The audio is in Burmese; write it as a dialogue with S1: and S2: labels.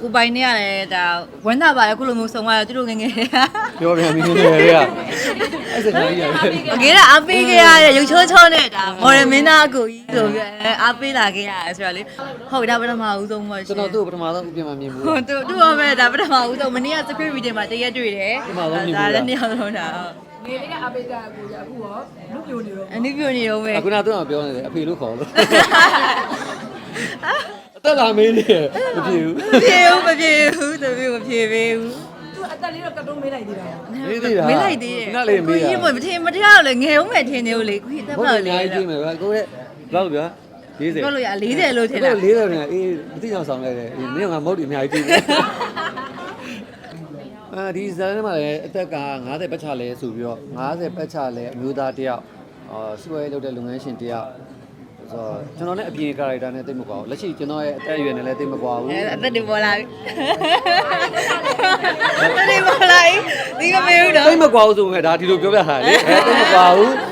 S1: ကိုပိုင်နေရတယ်ဒါဝမ်းသာပါတယ်ခုလိုမျိုးဆုံးသွားတော့သူတို့ငငယ်
S2: ပြောပြန်ပြီလေအဲ့စကားကြီးရတယ်
S1: အကေကအားပေးခဲ့ရတဲ့ရုပ်ချောချောနဲ့ဒါမော်ရမင်းသားအကိုကြီးဆိုပြီးအားပေးလာခဲ့ရတယ်ဆိုတော့လေဟုတ်ဒါပထမဦးဆုံးပေါ့
S2: ကျွန်တော်သူ့ပထမဆုံးဥပြင်မှာမြင်ဘူး
S1: ဟုတ်သူ့ပဲဒါပထမဦးဆုံးမနေ့က script reading မှာတရက်တွေ့တယ်ဒါလည်းနှစ်ယောက်လုံးတာ
S3: နေလေးကအပိတ်ကအကိုကြီးအခုရောလူပြိုနေတော့
S1: အနည်းပြိုနေတော့ပဲ
S2: အခုနကတော့ပြောနေတယ်အဖေလို့ခေါ်လို့အသက်လာမေးနေမပြေဘူး
S1: မပြေဘူးသူမျိုးမပြေပေးဘူး
S3: သူအသက်လေးတော့ကတုံးမေးလိုက်သေးတာ
S2: မေးသေးတာ
S1: မေးလိုက်သေးတယ်
S2: ခဏလေးမေးရ
S1: မထင်တော့လေငယ်ဦးမယ်ထင်နေဦးလေကိုကြီးတက်ပါလေ
S2: အများကြီးကြည့်မယ်ဗျကိုရဲ့ဘယ်လောက်ပြော40
S1: ပြောလို့ရ40လို့ထင်တာ
S2: 40နဲ့အေးမသိအောင်ဆောင်လိုက်တယ်အေးမင်းကမဟုတ်ဒီအများကြီးကြည့်တယ်ဒီဇာတ်ထဲမှာလည်းအသက်က50ပတ်ချလဲဆိုပြီးတော့50ပတ်ချလဲအမျိုးသားတယောက်စွဲလုပ်တဲ့လုပ်ငန်းရှင်တယောက်ဆိုတော့ကျွန်တော်လည်းအပြင်ကာရိုက်တာနဲ့တိတ်မကွာဘူးလက်ရှိကျွန်တော်ရဲ့အသက်အရွယ်နဲ့လည်းတိတ်မကွာဘူး
S1: အသက်တွေပေါ်လာပြီအသက်တွေပေါ်လာပြီဒီကမေးဦးတော့
S2: တိတ်မကွာဘူးဆိုပေမဲ့ဒါဒီလိုပြောပြတာလေတိတ်မကွာဘူး